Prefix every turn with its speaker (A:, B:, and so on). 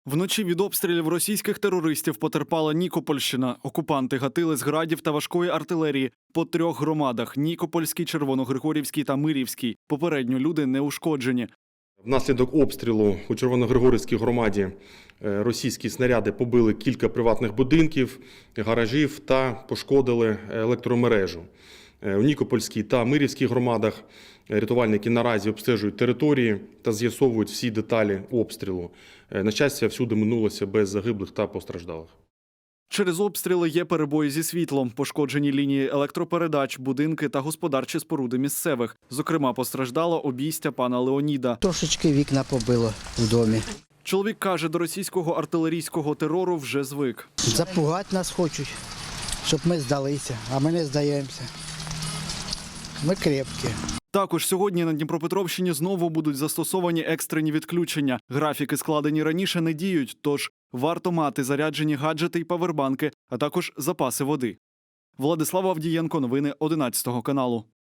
A: Вночі від обстрілів російських терористів потерпала Нікопольщина. Окупанти гатили з градів та важкої артилерії по 3 громадах – Нікопольській, Червоногригорівській та Мирівській. Попередньо люди не ушкоджені.
B: Внаслідок обстрілу у Червоногригорівській громаді російські снаряди побили кілька приватних будинків, гаражів та пошкодили електромережу. У Нікопольській та Мирівській громадах рятувальники наразі обстежують території та з'ясовують всі деталі обстрілу. На щастя, всюди минулося без загиблих та постраждалих.
A: Через обстріли є перебої зі світлом, пошкоджені лінії електропередач, будинки та господарчі споруди місцевих. Зокрема, постраждало обійстя пана Леоніда.
C: Трошечки вікна побило в домі.
A: Чоловік каже, до російського артилерійського терору вже звик.
C: Запугати нас хочуть, щоб ми здалися, а ми не здаємося. Ми крепкі.
A: Також сьогодні на Дніпропетровщині знову будуть застосовані екстрені відключення. Графіки, складені раніше, не діють, тож варто мати заряджені гаджети й павербанки, а також запаси води. Владислав Авдієнко, новини 11 каналу.